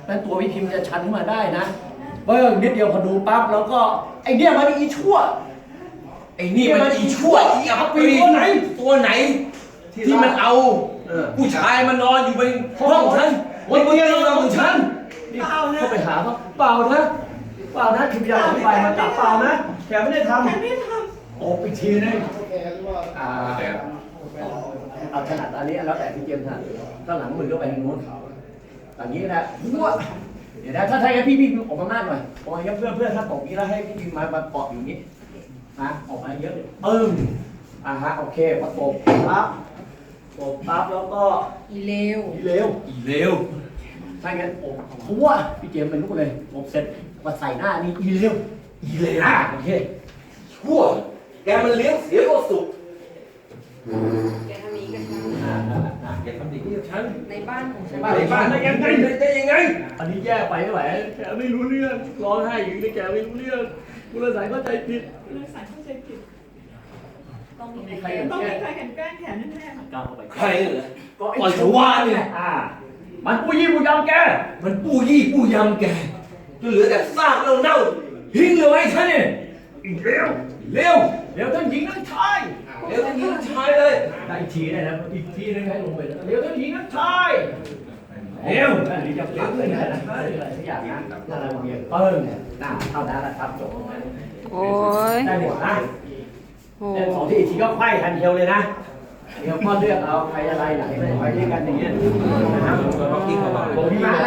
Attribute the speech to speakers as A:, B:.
A: นั้นตัวพี่พิมพ์จะชันขึ้นมาได้นะเบิ้งนิดเดียวพอดูปั๊บแล้วก็ไอเนี่ยมันอีชั่ว
B: ไอ้นี่มันอีชั่วอีอับปีตัวไหนที่มันเอาผู้ชายมานอนอยู่บนห้องฉันวันเดียวเราของฉัน
A: เข้าไปหาเขาเปล่านะคือพยายามอธิบายมาจับเปล่านะแกไม่ได้ทำโอบอีกทีนึงเอาถนัดอันนี้แล้วแต่พี่เจมส์ถนัดข้างหลังมือก็ไปทางโน้นอย่างนี้นะหัวเดี๋ยวนะถ้าใช่พี่ออกมาหน้าหน่อยออกมาเยอะเพื่อถ้าตกนี้แล้วให้พี่พิมมาเกาะอยู่นี้นะออกมาเยอะฮะโอเคพอตบปั๊บแล้วก็
C: อีเลว
A: ถ้างั้นอบหัวพี่เจมส์เป็นลูกเลยอบเสร็จมาใส่หน้านี่อีเลวโอเค
B: ชั่วแกมันเลี้ยงเสียก็สุข
C: แกทำนี้กับฉัน
B: แกทำดีกับฉัน
C: ในบ้านของฉัน
B: ในบ้านได้ยังไง
A: อันนี้แย่ไปไม่ไหวแกไม่รู้เรื่องร้องไห้อยู่ในแกไม่รู้เรื่องกุลสายเข้าใจผิด
D: ต้องมีใครกันแกล้งแขนแน่ๆ
A: ก้าวเข้าไป
B: ใครเหรอก็ไอ้ชัวเนี่ย
A: มันปูยี่ปูยำแก
B: มันปูยี่ปูยำแกจนเหลือแต่ซากเน่าทิ้งเลยไว้ท่านเนี่ยเร็ว
A: ท่านหญิงท่านชาย
B: เลย
A: ได้อีกทีได้นะอีกทีนึงให้ลงไปเร็วท่านหญิงท่านชายอันนี้จะเร็วเลยนะอะไรสักอย่างนะถ้าเราเบียดเนี่ยเท่านั้นแหละครับจบตรงนั้นได้หมดนะแต่สองที่อีกทีก็ไขว้ทันเดียวเลยนะเดี๋ยวก็เลือกเอาใครอะไรไหนไปด้วยกันอย่างเงี้ยนะครับ